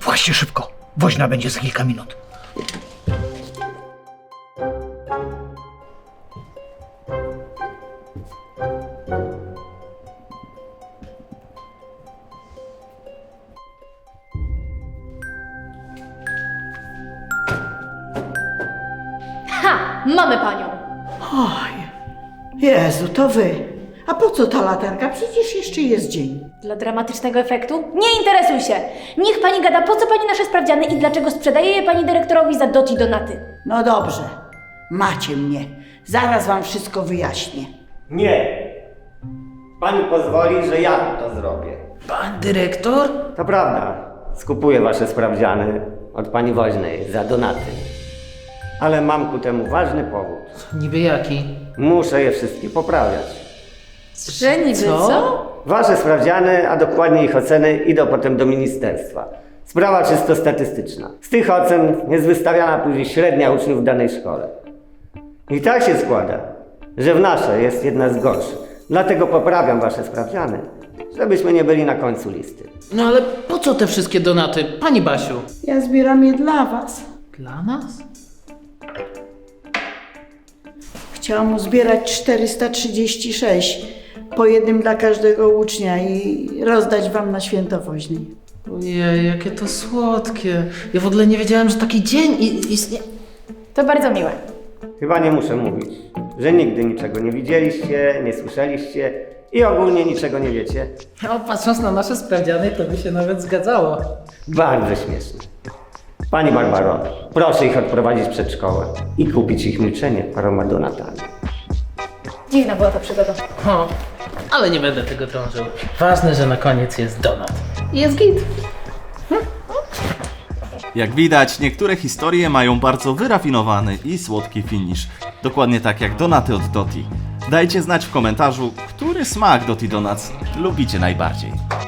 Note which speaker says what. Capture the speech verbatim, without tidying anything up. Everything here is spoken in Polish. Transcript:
Speaker 1: Właśnie szybko. Woźna będzie za kilka minut.
Speaker 2: Ha! Mamy panią!
Speaker 3: Oj, Jezu, to wy. A po co ta latarka? Przecież jeszcze jest dzień.
Speaker 2: Dla dramatycznego efektu? Nie interesuj się! Niech pani gada, po co pani nasze sprawdziany i dlaczego sprzedaje je pani dyrektorowi za dot i donaty.
Speaker 3: No dobrze, macie mnie. Zaraz wam wszystko wyjaśnię.
Speaker 4: Nie. Pani pozwoli, że ja to zrobię.
Speaker 1: Pan dyrektor?
Speaker 4: To prawda. Skupuję wasze sprawdziany od pani Woźnej za donaty. Ale mam ku temu ważny powód.
Speaker 1: Niby jaki?
Speaker 4: Muszę je wszystkie poprawiać.
Speaker 2: Że niby co?
Speaker 4: Wasze sprawdziany, a dokładnie ich oceny, idą potem do ministerstwa. Sprawa czysto statystyczna. Z tych ocen jest wystawiana później średnia uczniów w danej szkole. I tak się składa, że w naszej jest jedna z gorszych. Dlatego poprawiam wasze sprawdziany, żebyśmy nie byli na końcu listy.
Speaker 5: No ale po co te wszystkie donaty, pani Basiu?
Speaker 3: Ja zbieram je dla was.
Speaker 5: Dla nas?
Speaker 3: Chciałam uzbierać czterysta trzydzieści sześć. Po jednym dla każdego ucznia i rozdać wam na święto woźnej.
Speaker 5: Ojej, jakie to słodkie. Ja w ogóle nie wiedziałem, że taki dzień i- istnieje.
Speaker 2: To bardzo miłe.
Speaker 4: Chyba nie muszę mówić, że nigdy niczego nie widzieliście, nie słyszeliście i ogólnie niczego nie wiecie.
Speaker 5: No, patrząc na nasze sprawdziany, to by się nawet zgadzało.
Speaker 4: Bardzo śmieszne. Pani Barbaro, proszę ich odprowadzić przed szkołę i kupić ich milczenie paroma donatami.
Speaker 2: Dziwna była ta przygoda.
Speaker 5: O, ale nie będę tego drążył. Ważne, że na koniec jest donat. I jest git.
Speaker 6: Jak widać, niektóre historie mają bardzo wyrafinowany i słodki finish. Dokładnie tak jak donaty od Doti. Dajcie znać w komentarzu, który smak Doti Donuts lubicie najbardziej.